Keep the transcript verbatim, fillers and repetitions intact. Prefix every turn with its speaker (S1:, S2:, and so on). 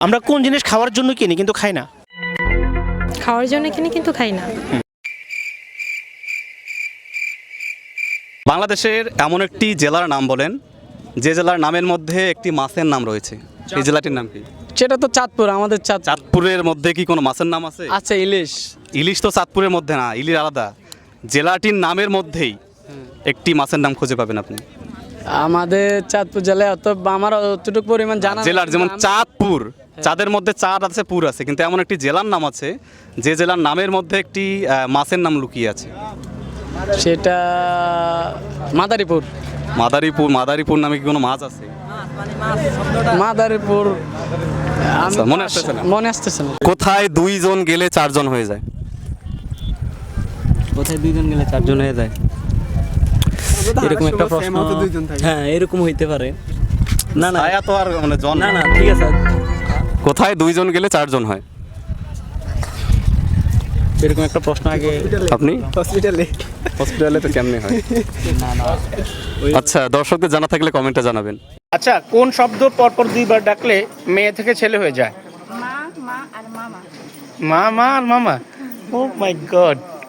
S1: আমরা কোন জিনিস খাওয়ার জন্য কিনি কিন্তু খাই না?
S2: খাওয়ার জন্য কিনি কিন্তু খাই না।
S3: বাংলাদেশের এমন একটি জেলার নাম বলেন যে জেলার নামের মধ্যে একটি মাছের নাম রয়েছে। এই জেলাটির নাম কি?
S4: সেটা তো চাঁদপুর, আমাদের চাঁদ
S3: চাঁদপুরের মধ্যে কি কোনো মাছের নাম আছে?
S4: আছে ইলিশ।
S3: ইলিশ তো চাঁদপুরের মধ্যে না, ইলিশ আলাদা। জেলাটির নামের মধ্যেই একটি মাছের নাম খুঁজে পাবেন আপনি।
S4: আমাদের চাঁদপুর জেলায় অত আমার অতটুকু পরিমাণ জানা নেই।
S3: জেলার যেমন চাঁদপুর, চাঁদের মধ্যে চাঁদ আছে, পুর আছে, কিন্তু এমন একটি জেলার নাম আছে যে জেলার নামের মধ্যে একটি আহ, মাছের নাম লুকিয়ে আছে।
S4: সেটা মাদারীপুর।
S3: মাদারীপুর, মাদারীপুর নামে কি কোনো মাছ আছে?
S4: মাদারীপুর আমি
S3: আচ্ছা, মনে আসতেছে না।
S4: মনে আসতেছে না।
S3: কোথায় দুইজন গেলে চারজন হয়ে যায়?
S5: কোথায় দুইজন গেলে চারজন হয়ে যায়? এরকম একটা প্রশ্ন, হ্যাঁ এরকম হইতে পারে। না না
S3: ছায়া তো আর মানে জন
S5: না না ঠিক আছে,
S3: কোথায় দুইজন গেলে চারজন হয়?
S5: এরকম একটা প্রশ্ন আগে
S3: আপনি হসপিটালে হসপিটালে তো কেমনে হয়? আচ্ছা, দর্শকদের জানা থাকলে কমেন্টে জানাবেন।
S1: আচ্ছা, কোন শব্দ পরপর দুইবার ডাকলে মেয়ে থেকে ছেলে হয়ে যায়?
S6: মা মা আর মামা।
S1: মা মা আর মামা। Oh my god.